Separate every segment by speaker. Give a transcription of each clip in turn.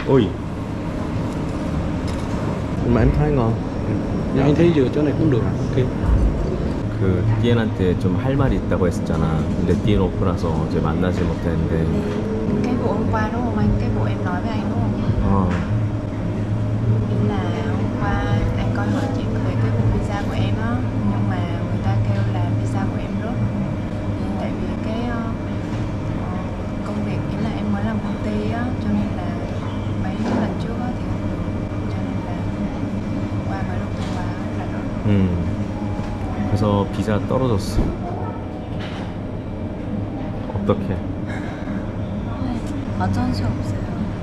Speaker 1: Ui, mà em thấy ngon.
Speaker 2: 야, anh thấy giờ chỗ này cũng được. Ok.
Speaker 1: 그 띠엔한테 좀 할 말이 있다고 했었잖아. 근데 띠엔 오프 나서 어제 만나지 못했는데.
Speaker 3: Cái vụ hôm qua đúng không anh? Cái vụ em nói với anh đúng không? Ý là hôm qua anh coi hỏi chị về cái vụ visa của em á, nhưng mà người ta kêu là visa của em rớt. Tại vì cái công việc ý là em mới làm công ty á, cho nên là mấy lần trước á thì không được, cho nên là qua mới được thông báo là rớt.
Speaker 1: 그래서 비자 떨어졌어. 어떡해?
Speaker 3: 어쩔 수 없어요.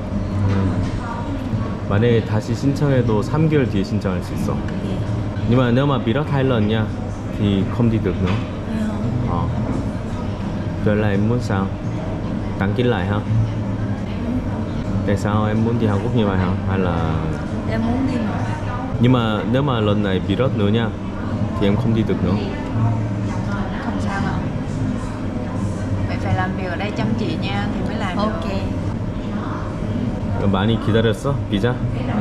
Speaker 1: 만약에 다시 신청해도 3개월 뒤에 신청할 수 있어.
Speaker 3: 예.
Speaker 1: Nhưng mà nếu mà bị rớt 2 lần nha thì không đi được nữa.
Speaker 3: Thấy không?
Speaker 1: Rồi là em muốn sao? Đăng ký lại hả? Tại sao em muốn đi Hàn Quốc như vậy hả? Hay là
Speaker 3: Em muốn đi mà.
Speaker 1: nhưng mà nếu mà lần này bị rớt nữa nha thì em không đi được nữa.
Speaker 3: Không sao đâu. Vậy phải làm việc ở đây chăm chỉ nha thì mới làm được. Ok.
Speaker 1: 많이 기다렸어? 비자?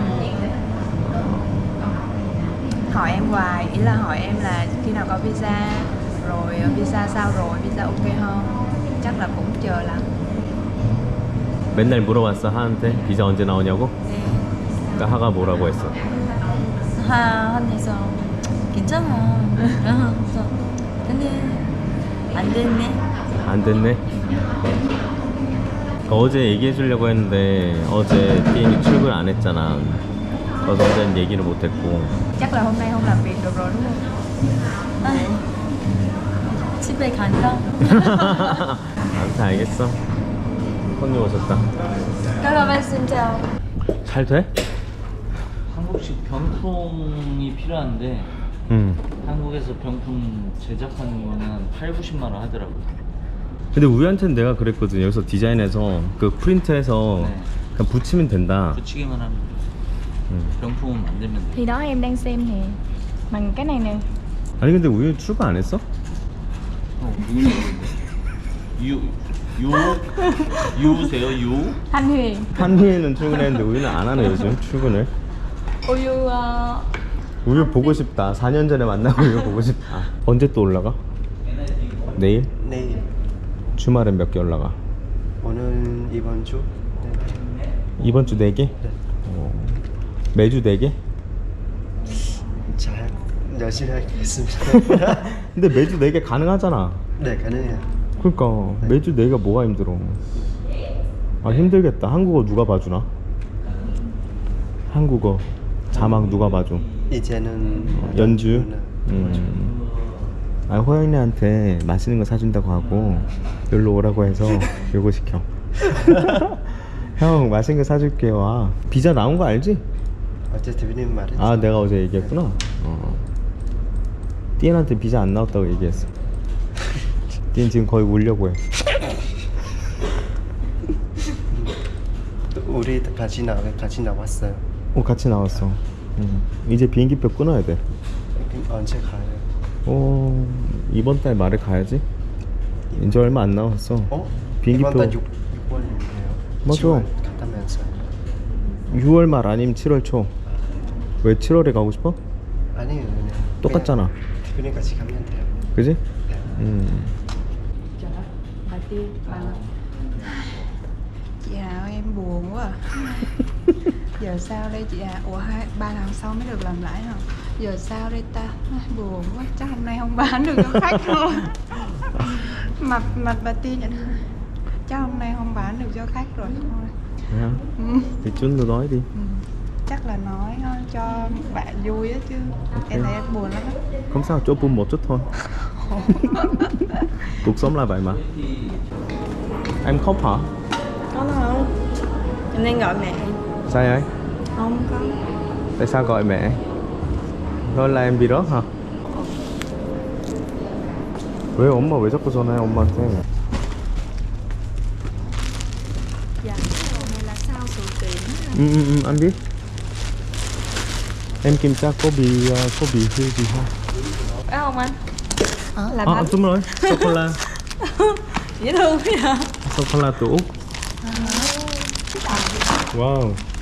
Speaker 3: Hỏi em hoài, ý là hỏi em là khi nào có visa, rồi visa sao rồi, visa ok không? Chắc là cũng chờ lắm.
Speaker 1: 맨날 물어봤어 하한테 비자 언제 나오냐고?
Speaker 3: 네.
Speaker 1: 그러니까 하가 뭐라고 했어?
Speaker 3: 한에서 괜찮아. 근데 안 됐네.
Speaker 1: 안 됐네. 어제 얘기해 주려고 했는데 어제 띠엔이 출근 안 했잖아. 그래서 어제는 얘기를 못 했고.
Speaker 3: Chắc là hôm nay không làm việc được rồi đúng không? 집에 간다.
Speaker 1: 아무튼 알겠어. 손님 오셨다.
Speaker 3: 여러분 진짜.
Speaker 1: 잘 돼?
Speaker 2: 한국식 병풍이 필요한데 한국에서 병풍 제작하는 거는 한 8, 90만 원 하더라고요.
Speaker 1: 근데 우리한테는 내가 그랬거든. 여기서 디자인해서 그 프린트해서
Speaker 2: 네.
Speaker 1: 그냥 붙이면 된다.
Speaker 2: 붙이기만 하면 돼요. 병풍은 만들면 돼요.
Speaker 4: Thì đó em đang xem nè. Bằng cái này nè.
Speaker 1: 아니 근데 우유 출근 안 했어?
Speaker 2: 유세요? 유?
Speaker 4: Thanh Huyền.
Speaker 1: 한휘에는 출근했는데 우유는 안 하네 요즘 출근을.
Speaker 4: 우유
Speaker 1: 우유 보고 싶다. 4년 전에 만난 우유 보고 싶다. 언제 또 올라가? 내일?
Speaker 5: 내일
Speaker 1: 주말엔 몇 개 올라가?
Speaker 5: 오늘 이번 주
Speaker 1: 이번 주 4개? 매주 4개?
Speaker 5: 잘 열심히 하겠습니다.
Speaker 1: 근데 매주 4개 가능하잖아.
Speaker 5: 네 가능해요.
Speaker 1: 그러니까 매주 4개가 뭐가 힘들어. 아 힘들겠다. 한국어 누가 봐주나? 한국어 자막 누가 봐줘?
Speaker 5: 이제는
Speaker 1: 연주? 아 호영이한테 맛있는 거 사준다고 하고 여기로 오라고 해서 요거 시켜. 형 맛있는 거 사줄게. 와 비자 나온 거 알지?
Speaker 5: 어제 대표님 말했죠.
Speaker 1: 아 내가 어제 얘기했구나. 띠엔한테 비자 안 나왔다고 얘기했어. 띠엔 지금 거의 울려고 해.
Speaker 5: 우리 같이 나왔어요.
Speaker 1: 같이 나왔어. 이제 비행기표 끊어야 돼.
Speaker 5: 언제 가요?
Speaker 1: 이번 달 말에 가야지. 이제 얼마 안 남았어. 비행기표
Speaker 5: 이번 달 6월이에요.
Speaker 1: 맞아.
Speaker 5: 10월 갔다면서요.
Speaker 1: 6월 말 아니면 7월 초. 왜 7월에 가고 싶어?
Speaker 5: 아니에요 그냥
Speaker 1: 똑같잖아.
Speaker 5: 대표님 같이 가면 돼요.
Speaker 1: 그지?
Speaker 3: Bà Tiên, bà nói chị Hào em buồn quá à. Giờ sao đây chị Hào? Ủa 3 tháng sau mới được làm lại hả? Giờ sao đây ta? Buồn quá, chắc hôm nay không bán được cho khách rồi. Mặt bà Tiên nhận chắc hôm nay không bán được cho khách rồi thôi.
Speaker 1: Thì Trinh nói đi.
Speaker 3: Chắc là nói cho bạn vui á chứ. Em thấy em buồn lắm á.
Speaker 1: Không sao, chỗ bùm một chút thôi. Cuộc sống là vậy mà. Em khóc hả?
Speaker 4: Có đâu. Em đang gọi mẹ.
Speaker 1: Sao vậy?
Speaker 4: Không có.
Speaker 1: Tại sao gọi mẹ? Thôi là em bị rớt hả? 왜 엄마 왜 자꾸 전화해 엄마한테?
Speaker 3: Dạ, cái đồ này là sao sửa tiền?
Speaker 1: Anh biết. Em kiểm tra có bị hư gì không?
Speaker 4: Phải không anh? Là
Speaker 1: À
Speaker 4: bánh.
Speaker 1: đúng rồi, sô-cô-la.
Speaker 4: Dễ thương vậy hả?
Speaker 1: Sô-cô-la từ Úc. Wow.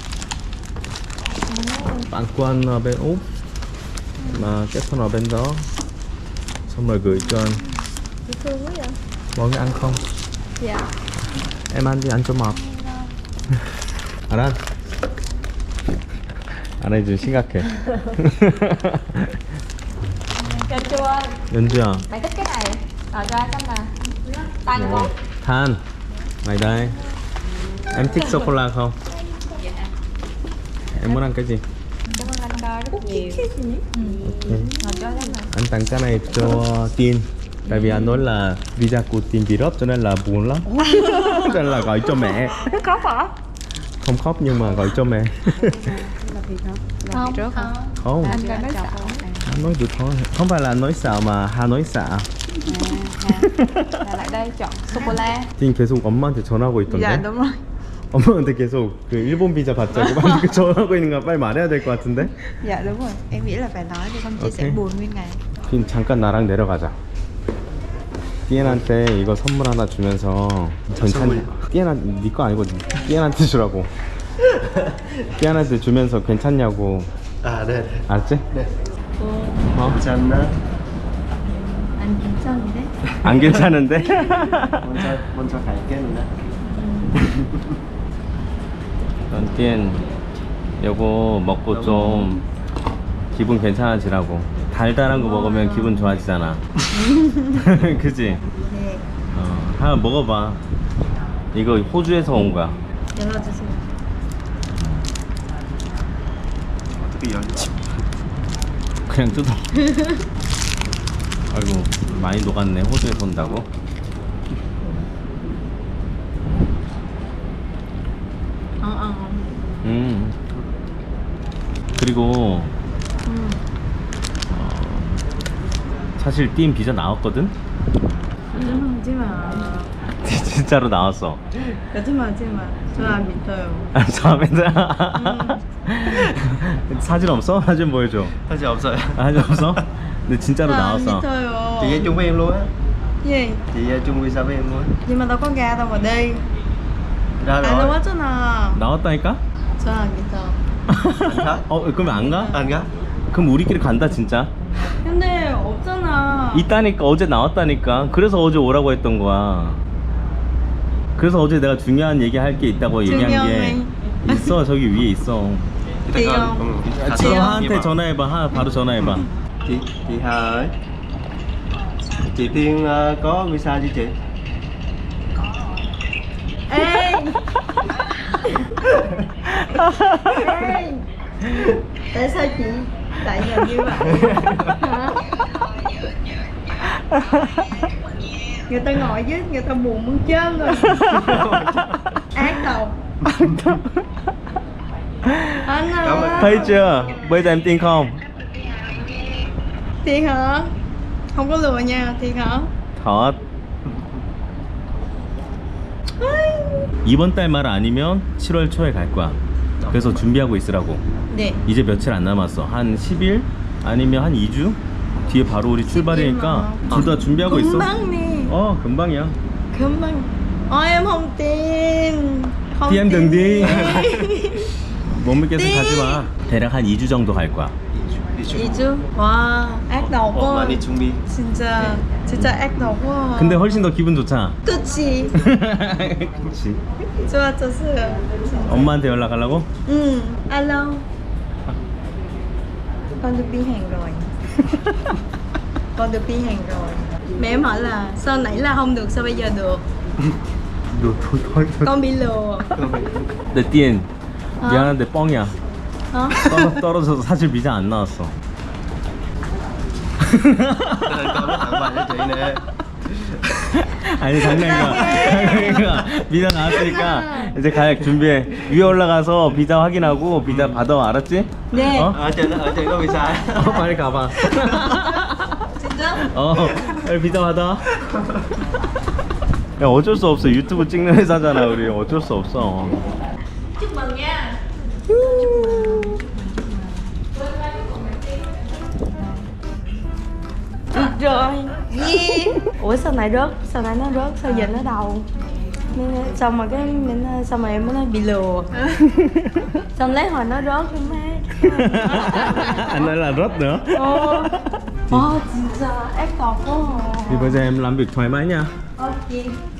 Speaker 1: bạn quân ở bên Úc mà kết hôn ở bên đó, xong rồi gửi cho anh.
Speaker 4: Dễ thương quá vậy.
Speaker 1: Mọi người ăn không?
Speaker 4: Dạ.
Speaker 1: Em ăn đi, ăn cho mập. 알아? 안 해준 심각해.
Speaker 4: Cho chua.
Speaker 1: 연주야,
Speaker 4: Mày thích cái này. Rồi cho anh nè. Tan không?
Speaker 1: Than, mày đây. Em thích sô cô la không? Em muốn ăn cái gì?
Speaker 4: Cảm ơn anh rất nhiều.
Speaker 1: Ok.
Speaker 4: Rồi cho anh nè.
Speaker 1: Anh tặng cái này cho Tiên. Tại vì anh nói là visa của Tiên bị rớt cho nên là buồn lắm. Cho nên là gọi cho mẹ.
Speaker 4: Khóc hả?
Speaker 1: Không khóc nhưng mà gọi cho mẹ.
Speaker 4: Không.
Speaker 1: Không,
Speaker 4: Anh coi nói xạo.
Speaker 1: anh nói được thôi. Không phải là anh nói xạo mà Hà nói xạo.
Speaker 4: Là lại đây chọn sô-cô-la.
Speaker 1: Tiên 계속 엄마한테 전화하고 있던데.
Speaker 4: Dạ đúng rồi.
Speaker 1: 엄마한테 계속 그 일본 비자 받자고 막 전화하고 있는 거 빨리 말해야 될 것 같은데.
Speaker 3: Dạ đúng rồi, em nghĩ là phải nói thì không chị sẽ
Speaker 1: Ok.
Speaker 3: buồn nguyên ngày.
Speaker 1: 그럼 잠깐 나랑 내려가자. 띠엔한테 이거 선물 하나 주면서 괜찮냐? 띠엔한 니거 아니고 띠엔한테 주라고. 띠엔한테 주면서 괜찮냐고.
Speaker 5: À đây, đây.
Speaker 1: 알았지?
Speaker 5: Đây.
Speaker 1: 어?
Speaker 5: 괜찮나?
Speaker 3: Anh 괜찮은데?
Speaker 1: 안 괜찮은데?
Speaker 5: 먼저 갈게는데.
Speaker 1: 넌 띠엔 요거 먹고 좀 기분 괜찮아지라고. 달달한 거 먹으면 기분 좋아지잖아. 그지?
Speaker 3: 네.
Speaker 1: 하나 먹어봐. 이거 호주에서 온 거야.
Speaker 3: 열어주세요.
Speaker 5: 어떻게 열지?
Speaker 1: 그냥 뜯어. 아이고 많이 녹았네. 호주에서 온다고. 그리고 사실 띠인 비자 나왔거든?
Speaker 3: 하지마.
Speaker 1: 진짜로 나왔어.
Speaker 3: 하지마. 저 안 믿어요.
Speaker 1: 처음에는 사진 없어? 사진 보여줘.
Speaker 5: 사실 없어요.
Speaker 1: 사진 없어? 근데 진짜로 나왔어.
Speaker 3: 믿어요.
Speaker 5: Chị chung với em luôn á.
Speaker 3: gì?
Speaker 5: Chị chung visa với em luôn.
Speaker 3: Nhưng mà đâu có ga đâu mà đi.
Speaker 5: Ra
Speaker 3: Anh
Speaker 5: rồi.
Speaker 3: 나왔잖아.
Speaker 1: 나왔다니까?
Speaker 3: 저 안 믿어.
Speaker 1: 그럼 안 가?
Speaker 5: Anh á?
Speaker 1: 그럼 우리끼리 간다 진짜.
Speaker 3: 근데 없잖아.
Speaker 1: 있다니까. 어제 나왔다니까. 그래서 어제 오라고 했던 거야. 그래서 어제 내가 중요한 얘기 할 게 있다고 얘기한 게 있어. 저기 위에 있어.
Speaker 3: Chị
Speaker 5: Con-
Speaker 3: không?
Speaker 5: Thật
Speaker 1: 지금
Speaker 5: sự
Speaker 1: 하한테
Speaker 5: nhưng mà-
Speaker 1: 전화해봐. 하 바로 전화해봐.
Speaker 5: Chị Hà ơi. Chị Tiên có visa chưa chị?
Speaker 3: Ê. Ê. Tại sao chị lại làm như vậy? Hả? Người ta ngồi với người ta buồn muốn chết rồi. Ác độc. Anh ơi.
Speaker 1: Thấy chưa? Bây giờ em tin không?
Speaker 3: Thiệt hả? Không có lừa nha, thiệt hả?
Speaker 1: 덧. 이번 달 말 아니면 7월 초에 갈 거야. 그래서 준비하고 있으라고.
Speaker 3: 네.
Speaker 1: 이제 며칠 안 남았어. 한 10일 아니면 한 2주 뒤에 바로 우리 출발이니까 둘 다 준비하고 있어.
Speaker 3: 금방 nè.
Speaker 1: 금방이야.
Speaker 3: 금방. Em không tin. Không
Speaker 1: Thì em đừng đi.
Speaker 3: tin.
Speaker 1: 못 믿겠어 가지 마. 대략 한 2주 정도 갈 거야.
Speaker 5: Đi chung.
Speaker 3: 이주? 와, ác độc
Speaker 5: Ủa mà
Speaker 3: quá.
Speaker 5: đi chung đi.
Speaker 3: 진짜 ác độc quá.
Speaker 1: 근데 훨씬 더 기분 좋잖아.
Speaker 3: 그치.
Speaker 1: 그렇지.
Speaker 3: 좋았었어요.
Speaker 1: 엄마한테 연락하려고?
Speaker 3: Alo. Con được đi Hàn rồi. Con được đi Hàn rồi. Mẹ em hỏi là sao nãy là không được, sao bây giờ được?
Speaker 1: 너 thôi.
Speaker 3: Con bị lừa.
Speaker 1: 내 띠엔 미안한데 뻥이야.
Speaker 3: Hả?
Speaker 1: 떨어져서 사실 비자 안 나왔어.
Speaker 5: Cho nên con nói tặng quà cho chị nè.
Speaker 1: 아니 장난이야. 비자 나왔으니까 이제 가야 준비해. 위에 올라가서 비자 확인하고 비자 받아. 알았지?
Speaker 3: 네.
Speaker 1: 어?
Speaker 5: Ở trên có visa.
Speaker 1: 빨리 가봐. 빨리 비자 받아. 야 어쩔 수 없어. 유튜브 찍는 회사잖아 우리. 어쩔 수 없어.
Speaker 3: Chúc mừng nha.
Speaker 4: Được rồi. Yeah. Ủa sao nãy rớt? Sao nãy nó rớt? Sao giờ nó đầu?
Speaker 6: Xong rồi cái xong rồi em mới nói bị lừa. Xong lấy hồi nó rớt cái má.
Speaker 1: Anh nói là rớt nữa.
Speaker 6: 진짜 ép cọc quá.
Speaker 1: Thì bây giờ em làm việc thoải mái nha.
Speaker 6: Ok.